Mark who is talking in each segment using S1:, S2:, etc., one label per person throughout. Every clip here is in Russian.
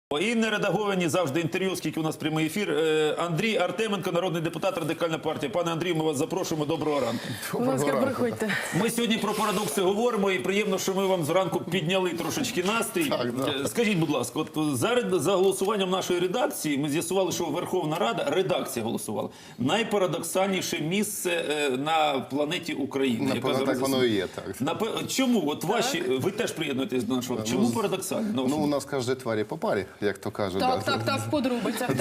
S1: І нередаговані завжди інтерв'ю, оскільки у нас прямий ефір. Андрій Артеменко, народний депутат, Радикальна партія. Пане Андрію, ми вас запрошуємо. Доброго ранку.
S2: Будь ласка, приходьте.
S1: Ми сьогодні про парадокси говоримо, і приємно, що ми вам зранку підняли трошечки настрій.
S3: Так, да.
S1: Скажіть, будь ласка, от за голосуванням нашої редакції ми з'ясували, що Верховна Рада, редакція голосувала, найпарадоксальніше місце на планеті Україна.
S3: Так воно і є, так.
S1: Чому? От ваші, ви теж приєднуєтесь до нашого. Чому парадоксально?
S3: Ну, у нас кожній тварі по парі, як то кажуть.
S2: Так, в подробицях.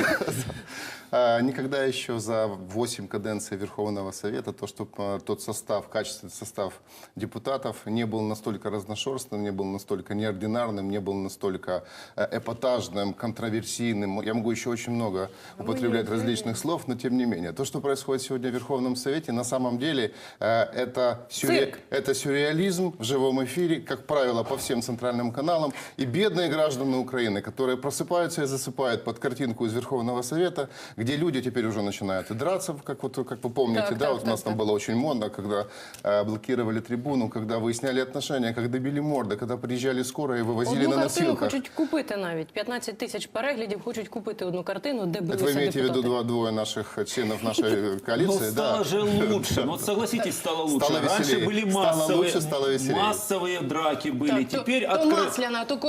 S3: Никогда еще за 8 каденций Верховного Совета тот состав, качественный состав депутатов не был настолько разношерстным, не был настолько неординарным, не был настолько эпатажным, контроверсийным. Я могу еще очень много употреблять различных слов, но тем не менее. То, что происходит сегодня в Верховном Совете, на самом деле это сюрреализм в живом эфире, как правило, по всем центральным каналам. И бедные граждане Украины, которые просыпаются и засыпают под картинку из Верховного Совета, где люди теперь уже начинают и драться, как вы помните, у нас там было очень модно, когда блокировали трибуну, когда выясняли отношения, когда били морды, когда приезжали скорые и вывозили
S2: одну
S3: на
S2: картину
S3: носилках.
S2: хочуть купити навіть. 15 тисяч переглядів хочуть купити одну картину, де билися
S3: Вы
S2: депутати.
S3: имеете в виду двое наших членов нашей коалиции?
S1: Ну, стало же лучше. Ну, согласитесь, стало лучше.
S3: Стало
S1: Раньше
S3: веселее.
S1: были
S3: Стало лучше, стало веселее.
S1: массовые драки были.
S2: Так,
S1: Теперь
S2: то масляна, то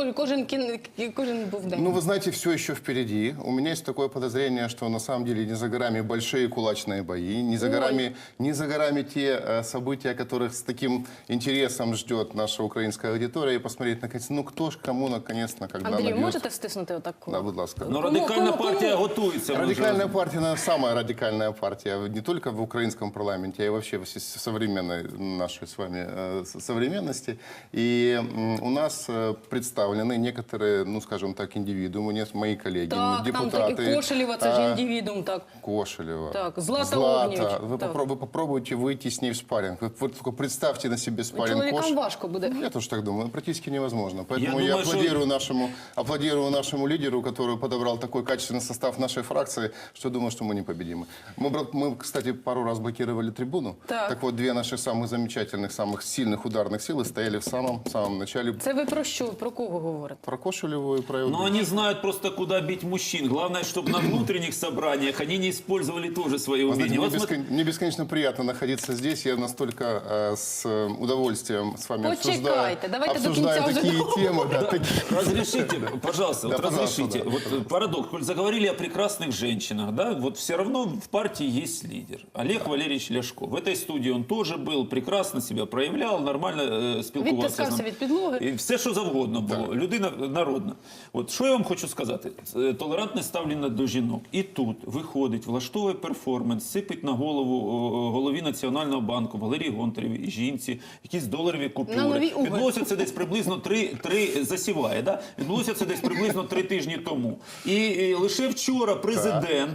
S2: кожен був день.
S3: Ну, вы знаете, все еще впереди. У меня есть такое подозрение, что на самом деле не за горами большие кулачные бои, не за горами те события, которых с таким интересом ждет наша украинская аудитория, и посмотреть, наконец, ну кто ж кому наконец-то, когда
S2: Андрію,
S3: набьет.
S2: можете стиснути отаку?
S3: Да, будь ласка.
S1: Но радикальная
S2: кому?
S1: партия готовится.
S3: Радикальная партия, наверное, самая радикальная партия не только в украинском парламенте, а и вообще в современной нашей с вами современности. И у нас представлены некоторые, ну, скажем так, индивидуумы, мои коллеги,
S2: Так,
S3: депутаты.
S2: там таки Кошелєва, це ж індивідуум, так.
S3: Кошелева.
S2: Так, Злата Огнєвіч.
S3: Вы
S2: Так.
S3: попробуйте выйти с ней в спарринг. Вы только представьте на себе спарринг
S2: Чоловікам важко буде.
S3: Я тоже так думаю, практически невозможно. Поэтому
S1: Я
S3: я,
S1: думаю,
S3: аплодирую нашему лидеру, который подобрал такой качественный состав нашей фракции, что думаю, что мы непобедимы. Мы, кстати, пару раз блокировали трибуну.
S2: Так.
S3: Вот две наших самых замечательных, самых сильных ударных силы стояли в самом начале.
S2: Це ви про що? Про кого говорите?
S3: Про Кошелеву и про...
S1: Но они знают просто, куда бить мужчин. Главное, чтобы на внутренних собраниях они не использовали тоже свои
S3: Вы
S1: умения.
S3: знаете,
S1: Вот
S3: мне бесконечно приятно находиться здесь. Я настолько с удовольствием с вами
S2: Почекайте, давайте до
S3: обсуждаю
S2: кінця вже
S3: такие темы. Да,
S1: Разрешите, пожалуйста,
S3: Да,
S1: вот
S3: пожалуйста,
S1: разрешите.
S3: да.
S1: Вот парадокс. Коль заговорили о прекрасных женщинах, да, вот все равно в партии есть лидер. Олег Валерьевич Ляшко. В этой студии он тоже был, прекрасно себя проявлял, нормально спілкувався.
S2: Відтискався від підлоги.
S1: І все, що завгодно було. Людина народна. От що я вам хочу сказати? Толерантне ставлення до жінок. І тут виходить, влаштовує перформанс, сипить на голову голові Національного банку Валерії Гонтаревій і жінці якісь доларові купюри.
S2: На нові угол.
S1: Відбулося це десь приблизно засіває, да? Відбулося це десь приблизно 3 тижні тому. І лише вчора президент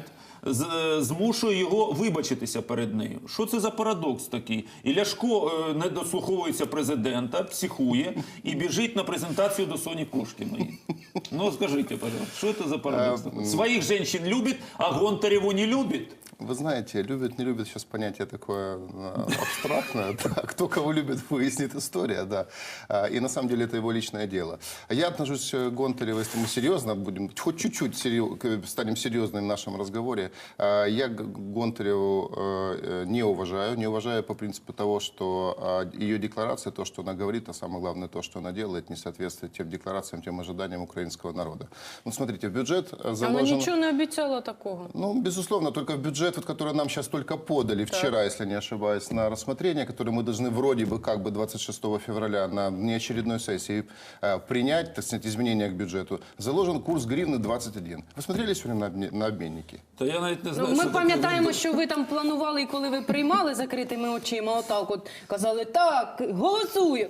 S1: змушує його вибачитися перед нею. Що це за парадокс такий? І Ляшко не дослуховується президента, психує і біжить на презентацію до Соні Кошкіної. Ну, скажіть, пожалуйста, що це за парадокс такий? Своїх жінок любить, а Гонтареву не любить?
S3: Вы знаете, любит, не любит, сейчас понятие такое абстрактное. Да. Кто кого любит, выяснит история, да. И на самом деле это его личное дело. Я отношусь к Гонтареву, если мы серьезно будем, хоть чуть-чуть станем серьезными в нашем разговоре, я Гонтареву не уважаю по принципу того, что ее декларация, то, что она говорит, а самое главное, то, что она делает, не соответствует тем декларациям, тем ожиданиям украинского народа. Ну, смотрите, в бюджет заложено...
S2: Вона нічого не обіцяла такого.
S3: Ну, безусловно, только в бюджет, вот, который нам сейчас только подали вчера, если не ошибаюсь, на рассмотрение, который мы должны вроде бы как бы 26 февраля на неочередной сессии принять, так сказать, изменения к бюджету, заложен курс гривны 21. Вы смотрели сегодня на обменники?
S1: Та я навіть не знаю,
S2: Ми
S1: що таке
S2: пам'ятаємо,
S1: гривня.
S2: що ви там планували, і коли ви приймали закритими очима, отак от казали, так, голосую.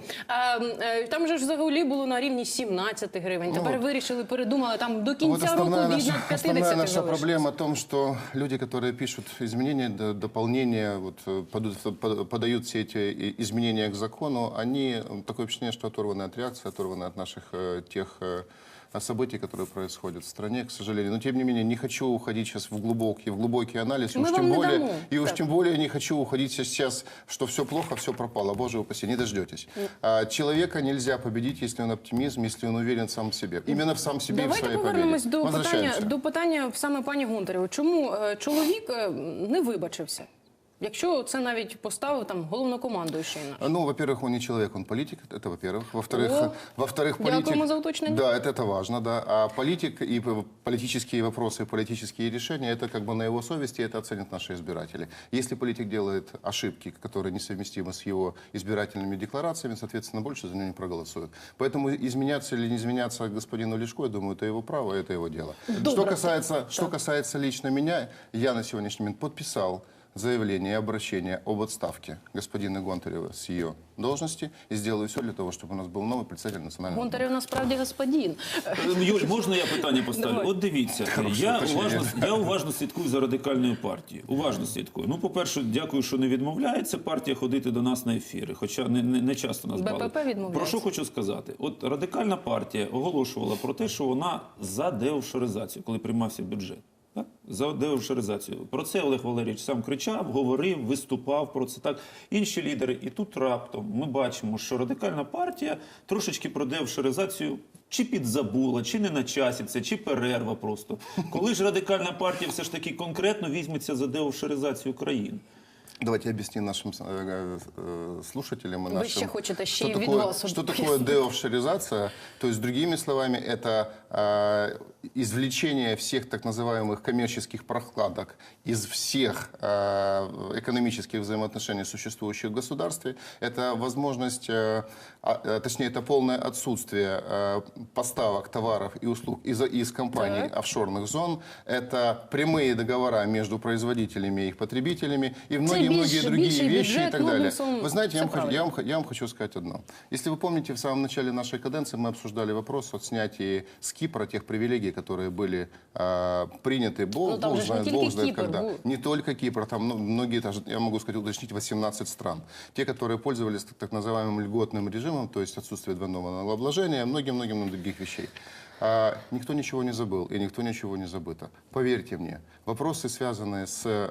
S2: Там же ж взагалі було на рівні 17 гривень. Тепер вирішили, передумали, там до кінця року від 50
S3: основная наша
S2: залишилось.
S3: проблема в том, что люди, которые пишут изменения, дополнения, вот, подают все эти изменения к закону, они, такое впечатление, что оторваны от реакции, оторваны от наших тех событий, которые происходят в стране, к сожалению. Но, тем не менее, не хочу уходить сейчас в глубокий анализ.
S2: Мы вам не дамо.
S3: И уж
S2: Так.
S3: тем более не хочу уходить сейчас, что все плохо, все пропало. Боже упаси, не дождетесь. Человека нельзя победить, если он оптимизм, если он уверен сам в себе. Именно в сам себе и в
S2: Давайте
S3: своей
S2: повернемось
S3: победе.
S2: до питання саме пані Гонтаревої. Чому чоловік не вибачився? Якщо це навіть поставив там головнокомандуючий наш.
S3: Ну, во-первых, он не человек, он политик, это во-первых.
S2: О,
S3: Во-вторых,
S2: дякуємо
S3: политик...
S2: за уточнення.
S3: Да, это важно, да. А политик и политические вопросы, и политические решения, это как бы на его совести, это оценят наши избиратели. Если политик делает ошибки, которые несовместимы с его избирательными декларациями, соответственно, больше за него не проголосуют. Поэтому изменяться или не изменяться господину Лешко, я думаю, это его право, это его дело. Что касается лично меня, я на сегодняшний момент подписал заявление и обращение об отставке господина Гонтарева с ее должности и сделаю все для того, чтобы у нас был новый председатель национального банка.
S2: Гонтарев насправді господин.
S1: Юль, можна я питання поставлю?
S2: Давай.
S1: От дивіться, я уважно слідкую за радикальною партією. Уважно слідкую. Ну, по-перше, дякую, що не відмовляється партія ходити до нас на ефіри, хоча не часто нас
S2: БПП
S1: балують.
S2: відмовляється.
S1: Про що хочу сказати? От радикальна партія оголошувала про те, що вона за деофшоризацію, коли приймався бюджет. Так? За деофшоризацію. Про це Олег Валерійович сам кричав, говорив, виступав про це. Так. Інші лідери. І тут раптом ми бачимо, що радикальна партія трошечки про деофшоризацію чи підзабула, чи не на часі це, чи перерва просто. Коли ж радикальна партія все ж таки конкретно візьметься за деофшоризацію країн?
S3: Давайте объясним нашим слушателям и
S2: Вы
S3: нашим,
S2: еще хотите
S3: что
S2: еще
S3: такое,
S2: видос
S3: что такое
S2: объяснить.
S3: деофшоризация. То есть, другими словами, это извлечение всех так называемых коммерческих прокладок из всех экономических взаимоотношений, существующих в государстве. Это возможность, точнее, это полное отсутствие поставок товаров и услуг из компаний офшорных зон. Это прямые договора между производителями и их потребителями и многие другие вещи и так далее. Вы знаете, я вам хочу сказать одно. Если вы помните, в самом начале нашей каденции мы обсуждали вопрос о снятии с Кипра тех привилегий, которые были приняты, Бог знает когда. Не только Кипр, там многие, я могу сказать, уточнить, 18 стран. Те, которые пользовались так называемым льготным режимом, то есть отсутствие двойного налогообложения, многим других вещей. Никто ничего не забыл и никто ничего не забыто. Поверьте мне, вопросы, связанные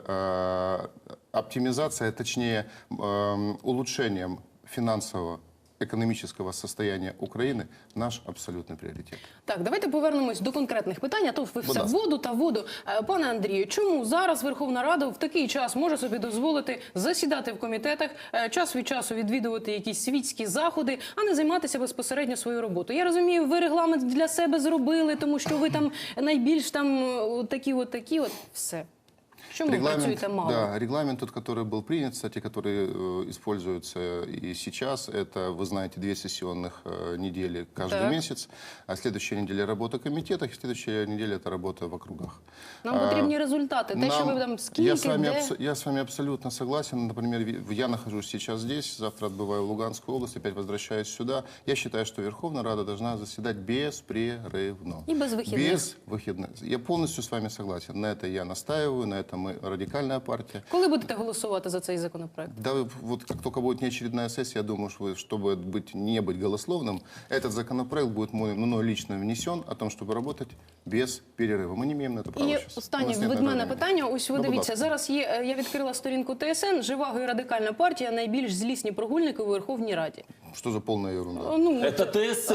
S3: с оптимизацией, точнее улучшением финансового економічного состояння України наш абсолютний пріоритет.
S2: Так, давайте повернемось до конкретних питань, а то ви все воду та воду. Пане Андрію, чому зараз Верховна Рада в такий час може собі дозволити засідати в комітетах, час від часу відвідувати якісь світські заходи, а не займатися безпосередньо своєю роботою? Я розумію, ви регламент для себе зробили, тому що ви там найбільш там такі, все. Почему вы працюете мало?
S3: Да, регламент тот, который был принят, кстати, который используется и сейчас, это, вы знаете, 2 сессионных недели каждый месяц, а следующая неделя работа в комитетах, и следующая неделя это работа в округах.
S2: Нам потрібні результати. Те, що ви там скільки,
S3: Я с вами абсолютно согласен. Например, я нахожусь сейчас здесь, завтра отбываю в Луганскую область, опять возвращаюсь сюда. Я считаю, что Верховная Рада должна заседать беспрерывно.
S2: И без выходных.
S3: Без выходных. Я полностью с вами согласен. На это я настаиваю, на это мы радикальная партия.
S2: Коли будете голосувати за цей законопроект?
S3: Да, вот как только будет неочередная сессия, я думаю, что чтобы не быть голословным, этот законопроект будет мной лично внесен о том, чтобы работать без перерыва. Мы не имеем на это права
S2: І
S3: сейчас.
S2: останнє від мене питання. Ось ви
S3: Ну, будь
S2: дивіться,
S3: ласка.
S2: зараз є, я відкрила сторінку ТСН, Живаго і Радикальна партія найбільш злісні прогульники у Верховній Раді.
S3: Что за полная ерунда?
S2: Ну,
S1: Це ТСН,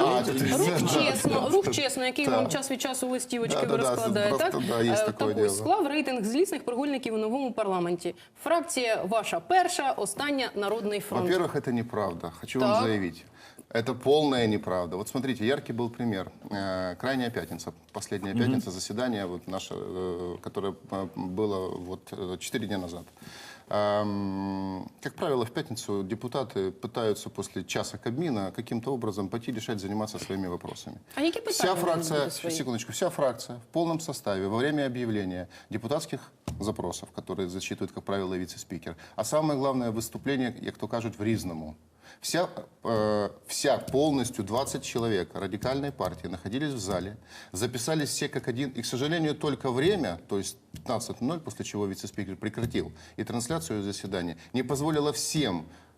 S2: Рух чесно, який вам час від часу листівочки розкладає,
S3: просто,
S2: так?
S3: да, є таке
S2: Так
S3: діло.
S2: ось, склав рейтинг злісних прогульників у новому парламенті. Фракція ваша перша, остання Народний фронт.
S3: Во-первых, это неправда. Хочу
S2: Так.
S3: вам заявить. Это полная неправда. Вот смотрите, яркий был пример. Крайняя пятница, последняя пятница, заседание, вот наше, которое было вот 4 дня назад. Как правило, в пятницу депутаты пытаются после часа Кабмина каким-то образом пойти решать, заниматься своими вопросами.
S2: А які питання
S3: Вся
S2: ви
S3: фракция,
S2: будете свої?
S3: секундочку, вся фракция в полном составе во время объявления депутатских запросов, которые зачитывает, как правило, вице-спикер, а самое главное выступление, як то кажут, в Різному. Вся полностью 20 человек радикальной партии находились в зале, записались все как один. И, к сожалению, только время, то есть 15:00, после чего вице-спикер прекратил и трансляцию заседания, не позволило всем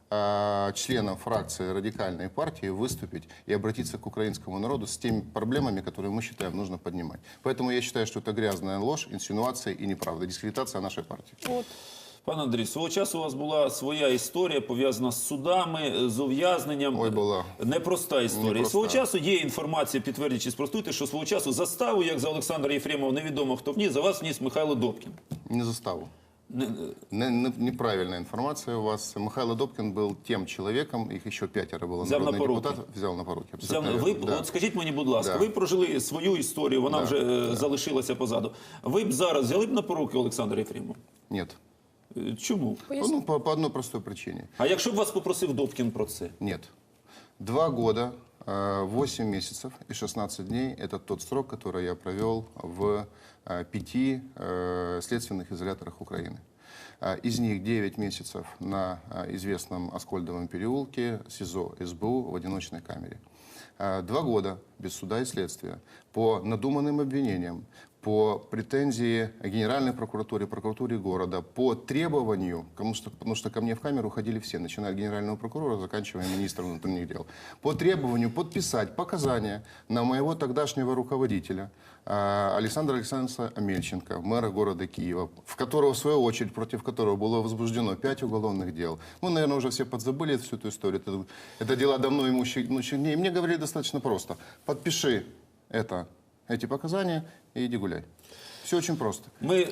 S3: членам фракции радикальной партии выступить и обратиться к украинскому народу с теми проблемами, которые мы считаем нужно поднимать. Поэтому я считаю, что это грязная ложь, инсинуация и неправда, дискредитация нашей партии.
S2: От.
S1: Пане Андрій, свого часу у вас була своя історія, пов'язана з судами, з ув'язненням.
S3: Ой, була.
S1: Непроста історія.
S3: Непроста.
S1: Свого часу є інформація, підтвердіть чи спростуйте, що свого часу заставу, як за Олександра Єфремова, невідомо хто вніс, за вас вніс Михайло Добкін.
S3: Не заставу. Неправильная информация у вас. Михаил Добкин был тем человеком, их еще 5 было
S1: Взял на
S3: народных
S1: поруки.
S3: депутатов, взял на поруки.
S1: Взяв,
S3: абсолютно
S1: ви,
S3: верно, да.
S1: от скажіть мені, будь ласка,
S3: Да.
S1: ви прожили свою історію, вона
S3: Да,
S1: вже залишилася позаду. Ви б зараз взяли б на поруки Олександра Єфремова?
S3: Нет.
S1: Чому?
S3: Ну, по одной простой причине.
S1: А якщо б вас попросив Добкін про це?
S3: Нет. 2 года, 8 месяцев и 16 дней – это тот срок, который я провел в 5 следственных изоляторах Украины. Из них 9 месяцев на известном Аскольдовом переулке, СИЗО СБУ в одиночной камере. 2 года без суда и следствия по надуманным обвинениям, по претензии Генеральной прокуратуре, прокуратуре города, по требованию, потому что ко мне в камеру ходили все, начиная от генерального прокурора, заканчивая министром внутренних дел, по требованию подписать показания на моего тогдашнего руководителя Александра Александровича Амельченко, мэра города Киева, в которого, в свою очередь, против которого было возбуждено 5 уголовных дел. Ну, наверное, уже все подзабыли всю эту историю. Это дела давно имущих дней. Мне говорили достаточно просто. Подпиши эти показания и иди гуляй. Все очень просто.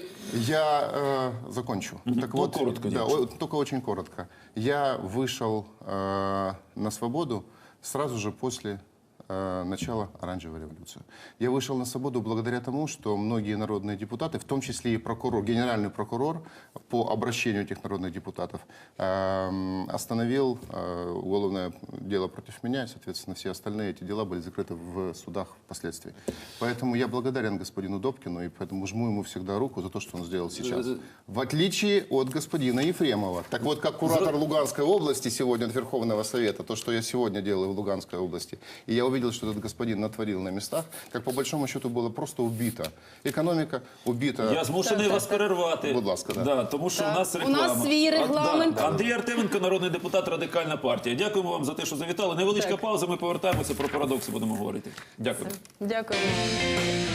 S3: Я закончу. Так вот,
S1: коротко,
S3: да, только очень коротко. Я вышел на свободу сразу же после начала оранжевой революции. Я вышел на свободу благодаря тому, что многие народные депутаты, в том числе и прокурор, генеральный прокурор, по обращению этих народных депутатов, остановил уголовное дело против меня, и, соответственно, все остальные эти дела были закрыты в судах впоследствии. Поэтому я благодарен господину Добкину, и поэтому жму ему всегда руку за то, что он сделал сейчас. В отличие от господина Ефремова. Так вот, как куратор Луганской области сегодня от Верховного Совета, то, что я сегодня делаю в Луганской области, и я увидел, что этот господин натворил на местах, как по большому счету было просто убито. Экономика убита.
S1: Я змушений вас перервати.
S3: Будь ласка, да.
S1: Да, тому що
S2: Так.
S1: у нас
S2: У
S1: реклама.
S2: нас свій регламент.
S1: Да. Андрій Артеменко, народний депутат Радикальна партія. Дякуємо вам за те, що завітали. Невеличка
S2: Так.
S1: пауза, ми повертаємося, про парадокси будемо говорити. Дякую.
S2: Дякуємо.